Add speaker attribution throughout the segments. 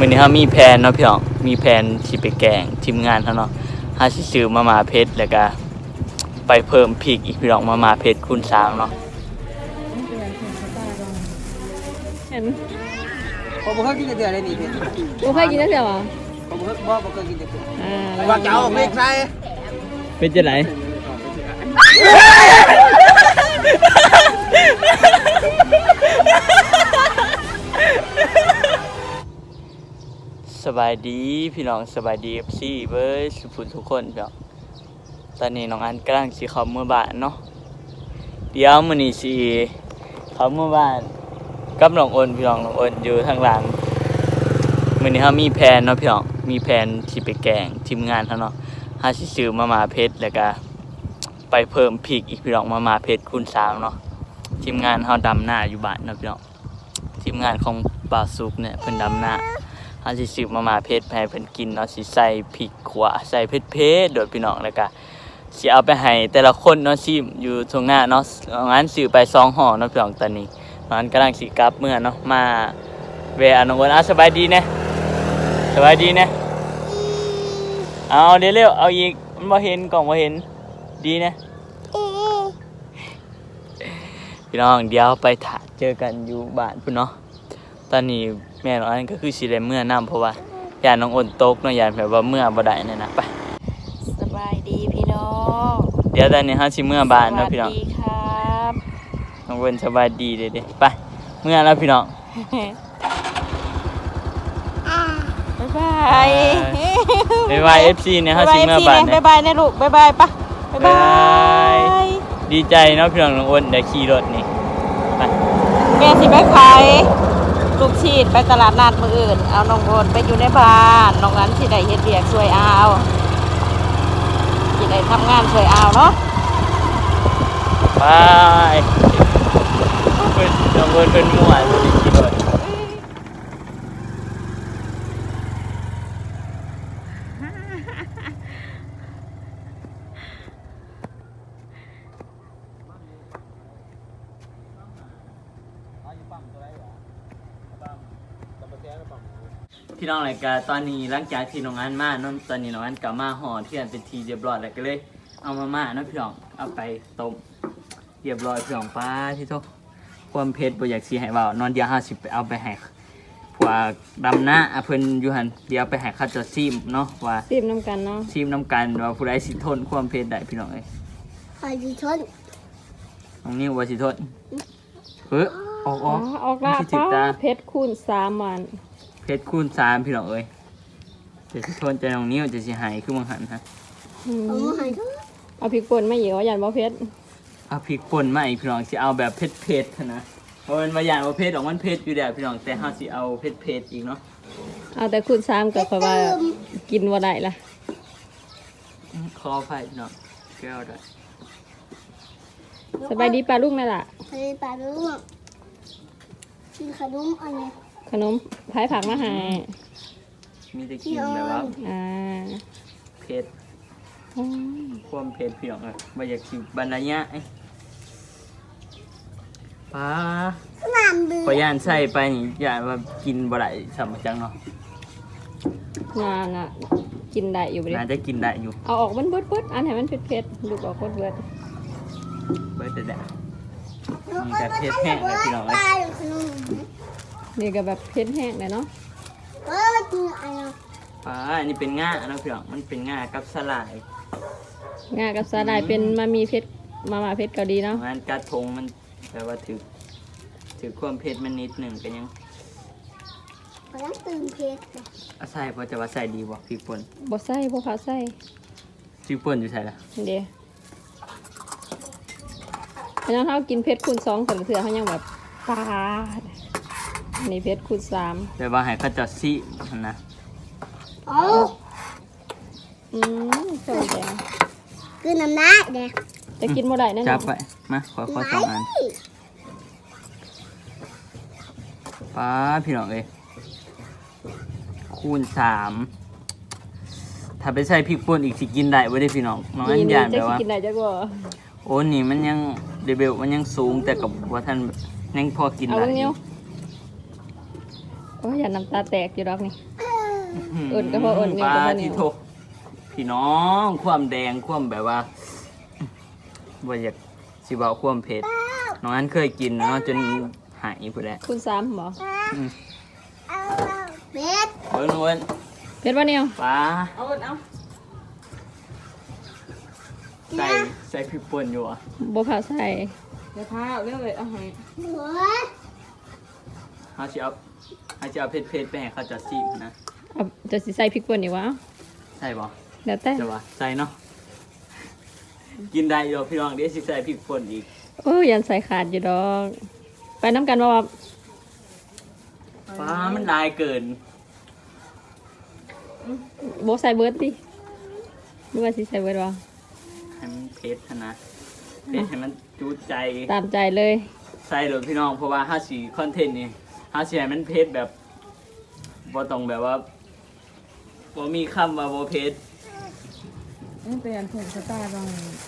Speaker 1: มื้อนี้เฮามีแผนเนาะพี่น้องมีแผนสิไปแกล้งทีมงานเฮาเนาะเฮาสิซื้อมาม่าเผ็ดแล้วก็ไปเพิ่มพริกอีกพี่น้องมาม่าเผ็ดคูณ3เนาะ
Speaker 2: เห็น
Speaker 3: ผมบ่เคยกินเดือดเลยนี่พี่
Speaker 2: กูเคยกินได้เดียวอ่ะ
Speaker 3: ผมบ่เคยกินเดือด
Speaker 2: ว่าเจ้า
Speaker 3: ไม่ใช่
Speaker 1: เป็นจังได๋สบายดีพี่น้องสบายดี FC เบิดทุกคนพี่น้องตอนนี้น้องอันกำลังสิเข้าเมื่อบ้านเนาะเดี๋ยวมื้อนี้สิเข้าเมื่อบ้านกับน้องอ้นพี่น้องน้องอ้นอยู่ทางหลังมื้อนี้เฮามีแผนเนาะพี่น้องมีแผนสิไปแกล้งทีมงานเฮาเนาะเฮาสิซื้อมาม่าเผ็ดแล้วก็ไปเพิ่มพริกอีกพี่น้องมาม่าเผ็ดคูณ3เนาะทีมงานเฮาดำหน้าอยู่บ้านเนาะพี่น้องทีมงานของป่าสุกเนี่ยเพิ่นดำหน้าเฮาสิซื้อมาม่าเผ็ดให้เพิ่นกินเนาะสิใส่พริกขั่วใส่เผ็ดๆโดดพี่น้องแล้วก็สิเอาไปให้แต่ละคนเนาะชิมอยู่ตรงหน้าเนาะงั้นซื้อไป2ห่อเนาะพี่น้องตอนนี้งั้นกำลังสิกลับเมื่อเนาะมาแวะน้องอ้นสบายดีนะสบายดีนะเอาเดี๋ยวเร็วเอาอีกมันบ่เห็นกล่องบ่เห็นดีนะพี่น้องเดี๋ยวไปถ่ายเจอกันอยู่บ้านพุ่นเนาะตอนนี้แม่น้องอันก็คือสิได้เมื่อน้ำเพราะว่าย่านน้องอ้นตกเนาะย่านแบบว่าเมื่อบ่ได้เนี่ยนะไป
Speaker 2: สบายดีพี่น้อง
Speaker 1: เดี๋ยวตอนนี้เฮาสิเมื่อบ้านเนาะพี่น้อง
Speaker 2: สวัสดีครับ
Speaker 1: น้องอ้นสบายดีเด้ๆไปเมื่อแล้วพี่น้อง
Speaker 2: บ๊ายบาย
Speaker 1: บ๊ายบาย FC เนี่ยเฮาสิเมื่อบ้านเนี่ย
Speaker 2: บ๊ายบายนะลูกบ๊ายบายปะบ๊ายบาย
Speaker 1: ดีใจเนาะพี่น้องน้องอ้นได้ขี่รถนี่ไป
Speaker 2: แม่สิไปขายลูกชีดไปตลาดนัดมื้ออื่นเอาน้องโอนไปอยู่ในบ้านน้องนั้นสิได้เฮ็ดเวียกช่วยเอาสิได้ทำงานช่วยเอาเนาะ
Speaker 1: ไปเพิ่นน้องอ้นเพิ่นม่วนบ่ได้ขี่รถพี่น้องรายการตอนนี้หลังจากที่น้องอันมาเนาะตอนนี้น้องอันกลับมาห่อเที่ยนเป็นทีเรียบร้อยแล้วก็เลยเอามาม่าเนาะพี่น้องเอาไปต้มเรียบร้อยพี่น้องป้าที่โตความเผ็ดบ่อยากสิให้เว้านอนเดียว50ไปเอาไปให้พวกดำหน้าเพิ่นอยู่หั่นเดี๋ยวไปให้เขาเจะซิมเนาะว่า
Speaker 2: ซีมน้ำกันเนาะ
Speaker 1: ซิมน้ำกันว่าผู้ใดสิทนความเผ็ดได้พี่น้องเอ้ย
Speaker 4: ใครดีชน
Speaker 1: น้องนิ้วว่าสิทนออก
Speaker 2: ออกละ
Speaker 1: มันสิถึกตา
Speaker 2: เพชรคูณ3วัน
Speaker 1: เผ็ดคูณ3พี่น้องเอ้ยจะสิทนใจน้องนิ้วจะสิหายคือมังหันฮะ
Speaker 4: เอามาให้ทุก
Speaker 2: เอาพริกป่นมาเหยียวยันบ่เพชร
Speaker 1: เอาพริกป่นมาอีกพี่น้องสิเอาแบบเผ็ดๆนะเพราะมันว่าอย่างว่าเผ็ดออกมันเผ็ดอยู่แล้วพี่น้องแต่เฮาสิเอาเผ็ดๆอีกเนาะ
Speaker 2: เอาแต่คูณ3ก็ค่อยว่ากินบ่ได้ล่ะ
Speaker 1: ขออภัยพี่น้องแก้วด้วย
Speaker 2: สบายดีปลาลูกนั่นล่ะ
Speaker 4: ใครปลาลูกกินขนมอันนี้
Speaker 2: ขนมพายผักมาให้
Speaker 1: มีแต่กินแบบว่า
Speaker 2: อ่า
Speaker 1: เผ็ด
Speaker 2: โอ้ย
Speaker 1: ความเผ็ดพี่น้องเอ้ยบ่อยากสิบรรยายป้า
Speaker 4: สนามบิน
Speaker 1: พอย่านใส่ไปนี่ย่านว่ากินบ่ได้สำจังเนาะ
Speaker 2: งานอ่ะ กินได้อยู่บ่ดิ
Speaker 1: น่าจะกินได้อยู่
Speaker 2: เอาออกมันเบิดๆอันให้มันเผ็ดๆลูกออกเบิด
Speaker 1: เบิดแต่นี่ก็เผ็ดแห้งเลยพี่น้อง
Speaker 4: ป
Speaker 1: เอ้ย
Speaker 4: ลาอยู่ขนม
Speaker 2: ๆนี่ก็แบบเผ็ดแห้งเลยเนาะ
Speaker 4: กินอะไร
Speaker 1: ป้าอันนี้เป็นง่าเนาะพี่น้องมันเป็นง่ากับสลาย
Speaker 2: งากับสาหร่ายเป็นมามีเผ็ดมาม่าเผ็ดเกาหลีเนาะ
Speaker 1: งานกระทงมันแปลว่าถือความเผ็ดมันนิดหนึ่งก็ยัง
Speaker 4: พลังตื่นเพชร
Speaker 1: เอาใส่เพราะจะว่าใส่ดีบ่พริกป่น
Speaker 2: บ่ใส่บ่พาใส่
Speaker 1: พริกป่นอยู่ใส่ละ
Speaker 2: เด้เพราะฉะนั้นเฮากินเผ็ดคูณ2แต่ละเทื่อเฮายังแบบปาดอันนี้เผ็ดคูณ3
Speaker 1: แต่ว่าให้เขาเจะซิมันนะ
Speaker 4: อ๋อ
Speaker 2: สวยแดง
Speaker 4: กินน้ำหน้าเด็ก
Speaker 2: จะกินบ่ได้แน่น
Speaker 1: จั
Speaker 2: อบ น
Speaker 1: ไปมาขอสองอันป้าพี่น้องเอ้ยคูณ3ถ้าไปใส่พริกป่นอีกสิกินได้บ่ได้พี่น้องน้องอันยาน
Speaker 2: จะ
Speaker 1: แบบว่า
Speaker 2: กินได้จักบ่
Speaker 1: โอ้นี่มันยังเดเบลมันยังสูงแต่กับว่าท่านยังพอกิน
Speaker 2: เอา
Speaker 1: ได้
Speaker 2: เบิ่ง
Speaker 1: อ
Speaker 2: เนี
Speaker 1: ยู่
Speaker 2: ยวโอ้ยอย่าน้ำตาแตกอยู่ดอกนี่อุ่นก็พออุ่นนี่
Speaker 1: ป
Speaker 2: ก็
Speaker 1: ลา
Speaker 2: พอเหนี
Speaker 1: ที่
Speaker 2: ยว
Speaker 1: โทพี่น้องความแดงความแบบว่าบ่อยากสิบอกความเผ็ดน้องอันเคยกินเนาะจนหายไปแล้ว
Speaker 2: คุณซ้ำบ่
Speaker 4: เบ็ด
Speaker 1: เบิ้งนู้น
Speaker 2: เผ็ดบ่เหนียว
Speaker 1: ปลา
Speaker 2: เอาเอา
Speaker 1: ใส่พริกป่นอยู่อ่ะ
Speaker 2: บ่ผ่าใส่เดี๋ยวพาเรื่องเลยเอาให้
Speaker 4: หัว
Speaker 1: เขาจะเอาเผ็ดๆไปให้เขาจะซีมนะ
Speaker 2: เอาจะสิใส่พริกป่นอีกวะ
Speaker 1: ใช่ป่ะ
Speaker 2: เดี๋ยวแต่
Speaker 1: จะว่าใส่เนาะกินได้อยู่พี่น้องเดี๋ยวสิใส่พริกป่นอีก
Speaker 2: โอ้ยยันใส่ขาดอยู่ดอกไปน้ำกันว่า
Speaker 1: ปลามันลายเกิน
Speaker 2: โบใส่เบิร์ดดิหรือว่าสิใส่เบิร์ดวะ
Speaker 1: ให้มันเผ็ดนะเผ็ดให้มันจูดใจ
Speaker 2: ตามใจเลย
Speaker 1: ใส่เลยพี่น้องเพราะว่าห้าสีคอนเทนต์นี่ห้าสีให้มันเผ็ดแบบบ่ต้องแบบว่าบ่มีคำว่าบ่เผ็ด
Speaker 2: เปลี่ยนผมสไตล์บ้าง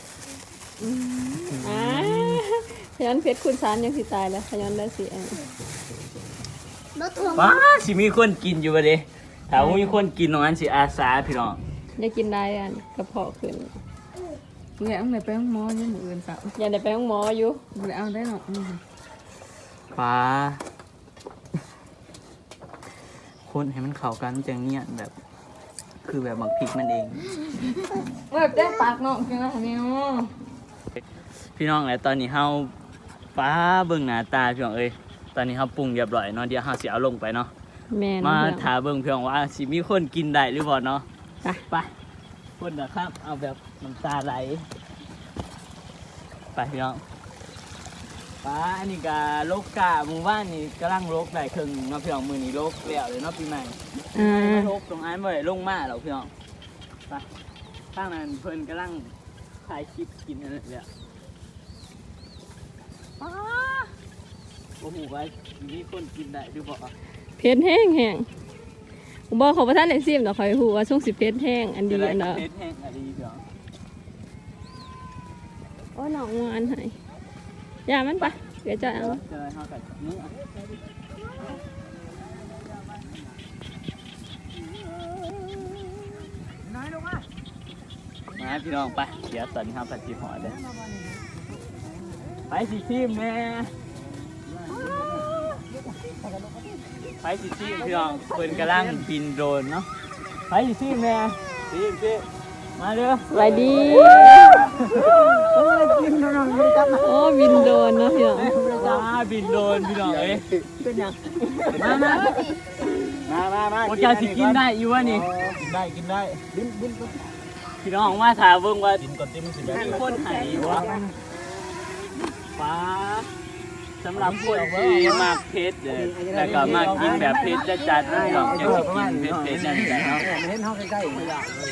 Speaker 2: ขยันเพชรคุณสารยังสิตายแล้วขยันได้สิอัน
Speaker 4: รถถ่วง
Speaker 1: ว้าสิมีคนกินอยู่บ่เด้ถ้าบ่มีคนกินตรงนั้นสิอาสาพี่น้อง
Speaker 2: ได้กินได้อันกระเพาะขึ้น
Speaker 5: แหละไหนไปห้องหมอยังมืออื่นสับ
Speaker 2: ยังได้ไปห้องหมออยู่
Speaker 5: บ่ได้เอาได้หรอก
Speaker 1: ปลาคนให้มันเข้ากันจังเนี่ยแบบ คือแบบบักพริกมันเอง
Speaker 5: แบบแจ้งปากน้องจังนะเนี่ย
Speaker 1: พี่น้องแล้วตอนนี้เฮาป้าเบิ่งหน้าตาพี่น้องเอ้ยตอนนี้เฮาปรุงเรียบร้อยเนาะเดี๋ยวเฮาสิเอาลงไปเนาะ
Speaker 2: แม่น
Speaker 1: มา
Speaker 2: เพื่อน
Speaker 1: ถามเบิ่งพี่น้องว่าสิมีคนกินได้หรือบ่เนาะ
Speaker 2: ไป
Speaker 1: ไปคนนะครับ เอาแบบน้ำตาไหลไปพี่น้องป้าอันนี้ก็โลกกาหมู่บ้านนี่กำลังโลกได้ครึ่งเนาะพี่น้องมื้อนี้โลกแล้วเลยเนาะปีใหม่
Speaker 2: อ่า
Speaker 1: โลกตรงอ้ายบ่ได้ลงมาหรอกพี่น้องไปทางนั้นเพิ่นกำลังถ่ายคลิปกินนั่นแหละป้าโอ้โหว่ามีคนกินได้หรือบ่
Speaker 2: เพชรแห้งแห้งผมบอกเขาประทานในซิมเนาะคอยหูว่าช่วงสิเพชรแห้งอันดี
Speaker 1: จะได้
Speaker 2: อันเนาะ
Speaker 1: เพชรแห้งอันดีพี่น้อง
Speaker 2: โอ้หนองงานให้ยามันปะเดี๋ยวจะเอา
Speaker 1: จะได้เฮากับมือมาพี่น้องไปเดี๋ยวตอนนี้เฮาไปที่หอเด้อไปสิทีมแม่ไปสิทีมพี่น้องเพิ่นกำลังบินโดรนเนาะไปสิทีมแม่ทีมมาเด้อ
Speaker 2: สวัสดีโอ้บินโดนเนาะพี่น้อง
Speaker 1: มาบินโดรนพี่น้องเอ้ยเป็นยังมาโอ้เจ้าสิกินได้อยู่วะนี่กินได้บินพี่น้องมาถามเบิ่งว่ากินก่อนที่มันสิมีคนใหายอยู่วะป้าสำหรับคนที่มากเพชรเลยแล้วก็มากกินแบบเพชรจัดๆพี่น้องจะสิกินเพชรจัดๆเนาะ
Speaker 3: เห็นเฮาใกล้ๆ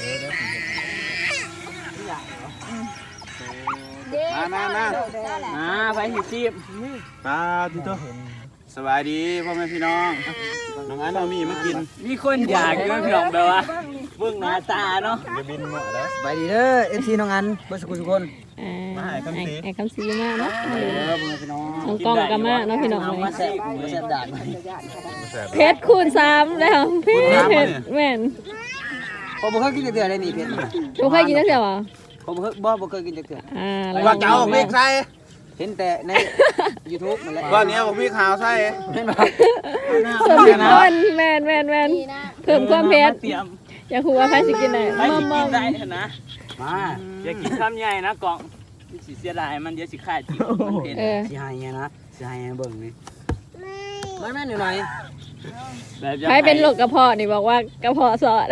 Speaker 1: มาไปสิซีบ
Speaker 6: ตาที่ตัวสบายดีพ่อแม่พี่น้องน้องอันเอามีมากิน
Speaker 1: มีคนอยากอยู่นะพี่น้องแบบว่าเบิ่งหน้าตาเนาะ
Speaker 6: จะบินหมดแล้ว
Speaker 3: สบายดีเด้อ FC น้องอันเบ่สุขทุกคน
Speaker 2: ไอ้คำซีมากเนาะ
Speaker 3: พ่อแม่พี่น้อง
Speaker 2: น้องกล้องก็มากเนาะพี่น้อง
Speaker 1: เอามา
Speaker 2: เลย
Speaker 1: แซ่บ
Speaker 3: บ่แซ่บด่าน
Speaker 2: เพชรคูณ3แล้วเพชรแม่น
Speaker 3: ผมบ่เคยกินจักเทื่อเลยนี่เผ็ด
Speaker 2: ทุกใครกินได้เสียวะ
Speaker 3: ผมบ่เคยกินจักเทื่อ
Speaker 6: ว่าจะเอาพริกใส่
Speaker 3: เห็นแต่ใน YouTube นั่นแหละ
Speaker 6: ว่าเนี้ยบอกพริกขาวใส่
Speaker 3: เห็นบ่
Speaker 2: สมเป็นคนแม่นเพิ่มความเพชร
Speaker 1: เตรียม
Speaker 2: อยากรู้ว่าใครสิกินได้
Speaker 1: ไปสิกินได้นะ
Speaker 3: มา
Speaker 1: อย่ากินคำใหญ่นะกล่องสิเสียดายมันเดี๋ยวสิขาดจิ๋วมันเผ็ด
Speaker 3: สิให้ไงนะสิให้เบิ่งนี่ไม่แม่นอยู่หน่อย
Speaker 1: แบบจะ
Speaker 2: ใครเป็นโรคกระเพาะนี่บอกว่ากระเพาะสอด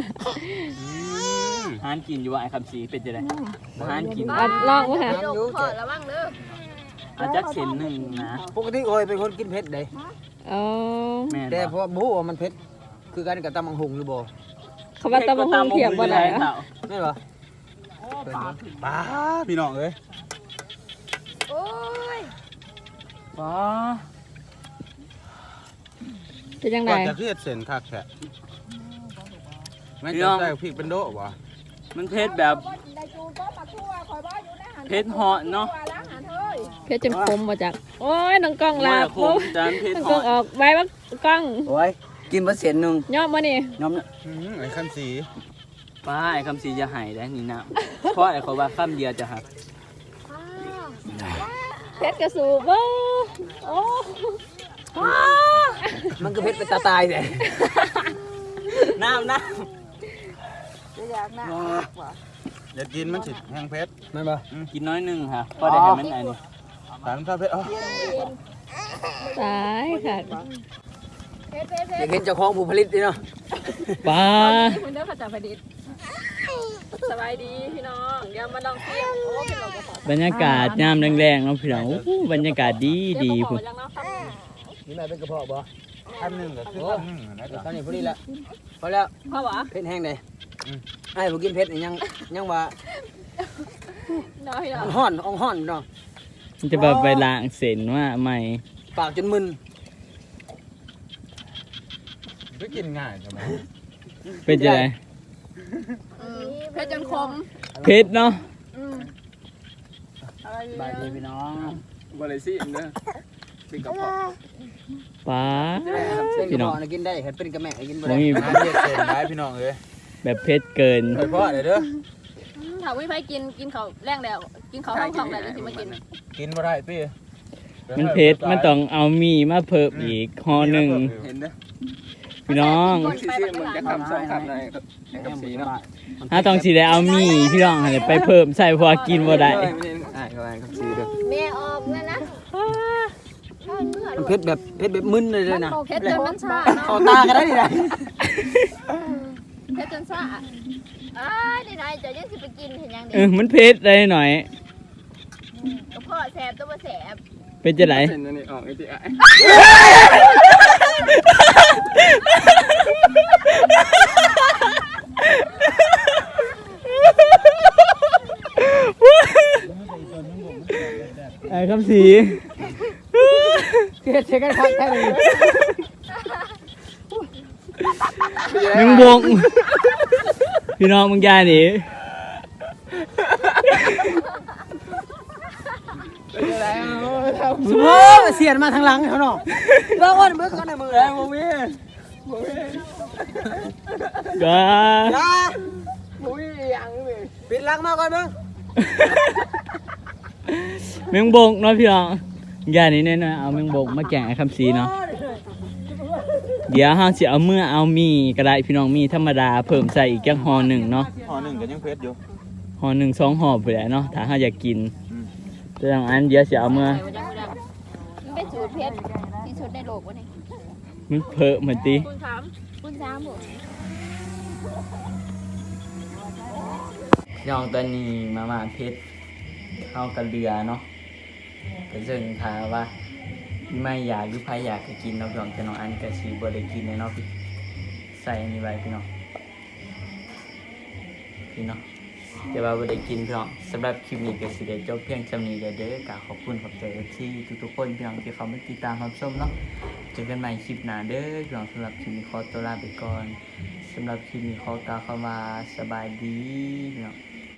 Speaker 1: หานกินอยู่ว่าไอ้คำสีเป็นจะไดหานกิน
Speaker 2: อัดลองว่าค่ะ
Speaker 3: อยู่แต่
Speaker 1: อาจจะเส้นหนึ่งนะ
Speaker 3: ปกติโอ้ยเป็นคนกินเผ็ดเด้
Speaker 2: อ๋อ
Speaker 1: แม่
Speaker 3: แต่พอบ่ฮู้ว่ามันเผ็ดคือกันกับตำบักหุ่งหรือบ่
Speaker 2: เขาว่าตะบะฮงเทียบบ่ได้อะ
Speaker 3: แม่นบ่
Speaker 6: ป้าพี่น้องเอ้ย
Speaker 1: ป้า
Speaker 2: เป็นจังได
Speaker 6: ก่อนจะเครียดเส้นคักแฉะไม่ต้องใส่พริกเป็นโดะวะ
Speaker 1: มันเผ็ดแบบเผ็ดเหาะเนาะ
Speaker 5: เพชรจนคมมาจากโอ้ยน้องกล้องหลับ
Speaker 1: คมจานเพชร
Speaker 5: น้อง
Speaker 1: ห
Speaker 5: กล้
Speaker 1: อ
Speaker 5: อง
Speaker 1: ย
Speaker 5: ออกใบว่ากล้อง
Speaker 3: โอ้ยกินบ่เสียนหนึง
Speaker 5: ย่อมมานี่
Speaker 3: ยอม
Speaker 6: ไอ้คันสี
Speaker 1: ป้าไอ้คำสีจะหายได้นี่นะเพราะไอ้เขาว่าคำเดียวจะหัก
Speaker 5: เพชรกระสูบเว้าโอ้
Speaker 3: มันก็เผ็ดเป็นตาตายเลย
Speaker 1: น้ำ
Speaker 6: อย่ากินมันสิแห้งเพชร
Speaker 3: แม่นบ่
Speaker 1: กินน้อยหนึงค่ะพอได้เห็นมันไอ้นี่
Speaker 6: สารข้าวเพชร
Speaker 5: ตายค่ะ
Speaker 3: อยากเห็นเจ้าของผู้ผลิตดิเนาะ
Speaker 1: ป้า
Speaker 5: คุณเด้อข้าจากประดิษฐ์สบายดีพี่น้องเดี๋ยวมาลองเที่ยวโอ้เป็นหลอกกระสอบบ
Speaker 1: รรยากาศยามแรงๆเนาะพี่น้องโอ้โหบรรยากาศดีดี
Speaker 5: คุ
Speaker 1: พุ่
Speaker 5: ณ
Speaker 1: น
Speaker 5: ยังเนาะครับ
Speaker 3: นี่แม่เป็นกระเพาะบ่
Speaker 6: คันหนึ่งก็คือคันหนึ่งนะ
Speaker 3: ตอ
Speaker 6: จ๊ะ
Speaker 3: นนี้พอดีแล้วพอแล้ว
Speaker 5: พ่อหวะ
Speaker 3: เผ็ดแห้งเลยไอ้บ่กินเผ็ดนี่ยังว่า
Speaker 5: น้อยเนาะ
Speaker 3: ฮ้อนอ่องฮ้อนเนาะ
Speaker 1: มันจะแบบไปล้างเส้นว่าใหม่
Speaker 3: ปากจนมึน
Speaker 6: ไม่กินง่ายใช่ไหม
Speaker 1: เป็นจะไง
Speaker 5: เพชรจนคม
Speaker 1: เพชรเนาะ
Speaker 3: บายดีพี่น้อง
Speaker 1: บริสิเด้อเป็นกระเพาะป้า
Speaker 3: เป็นก
Speaker 1: พี่
Speaker 3: ระ
Speaker 1: น้อง
Speaker 3: เพาะนะกินได้เห็ดเป็นกระแม่กินบ่
Speaker 1: บ่
Speaker 3: ได้
Speaker 1: มี
Speaker 6: น้ำเย็ดเส้นได้พี่น้องเลย
Speaker 1: แบบเพชรเกิน
Speaker 6: เคยพ่อเลยเด้อ
Speaker 5: ถ้าวิไปกินเขาแรงแล้วกินเขาห้องของแล้วจะมากิน
Speaker 6: กินบ่ได้พี่
Speaker 1: มันเพชรมันต้องเอามีมาเพิ่มอีกห่อหนึ่ง
Speaker 6: เห็นเด้อ
Speaker 1: พี่น้อง
Speaker 5: มึงจะทำ
Speaker 3: สองคำหน่อย
Speaker 6: กับสีเนาะ
Speaker 1: ถ้าต้องสีได้เอามีพี่น้องให้ไปเพิ่มใส่เพอกินบ่ได้
Speaker 6: กับสีเด้อ
Speaker 4: แม่ออกแล้วนะ
Speaker 3: เผ็ดแบบมึนเลยนะ
Speaker 5: เพชรจนมันชา
Speaker 3: เข้าตากันได้ดิได้
Speaker 5: เพชรจนชา
Speaker 4: ได้ไหนจะยังสิไปกินเห็นยัง
Speaker 1: มันเพชรได้หน่อย
Speaker 4: กับพ่อแสบตัวบ่แสบ
Speaker 1: เป็นจะไหน
Speaker 6: เส้นนี่ออกไอ้ที่ไอ้
Speaker 1: ไอ้คำสี
Speaker 3: เผ็ดเช็คกันครับแค่นี้
Speaker 1: มึงบงพี่น้องมึงยายหนี
Speaker 3: โอ้เสียนมาทางหลังเขาเนาะเบิ่งก่อนก่อนในมือแล้วบ่มี
Speaker 1: ก็
Speaker 3: จ้าบ่มีหยังเลยปิดหลังมาก่อนเบิ่ง
Speaker 1: มึงบงเนาะพี่น้องยายนี่เนี่ยนะเอามึงบงมาแกงไอ้คำสีเนาะเดี๋ยวเฮาสิเอาเอามีก็ได้พี่น้องมีธรรมดาเพิ่มใส่อีกจักห่อหนึ่งเนาะ
Speaker 6: ห่อหนึ่งก็ยังเพชรอยู่
Speaker 1: ห่อหนึ่ง2ห่อไปแหละเนาะถ้าเฮาอยากกินแต่อย่างอันเดี๋ยวสิเอา
Speaker 4: มันเป็นสูตรเพชรที่สุดในโลกวะนี่
Speaker 1: มันเพิ่มเหมือนติ
Speaker 5: คุณถาม
Speaker 4: คุณสามหมด
Speaker 1: น้องตอนนี้มาเพชรเฮากับเรือเนาะก็ซึ่งถามว่าไม่อยากหรือใครอยากจะกินเนาะพี่น้องแต่น้องอันก็สิบ่ได้กินแน่เนาะพี่ใส่อันนี้ไว้พี่น้องแต่ว่าบ่ได้กินพี่น้องสำหรับคลิปนี้ก็สิได้จบเพียงเท่านี้เด้อก็ขอบคุณขอบใจที่ทุกๆคนพี่น้องที่เขามาติดตามรับชมเนาะเจอกันใหม่คลิปหน้าเด้อพี่น้องสำหรับคลิปนี้ขอตัวลาไปก่อนสำหรับคลิปนี้ขอกล่าวคำว่าสบายดีพี่น้อง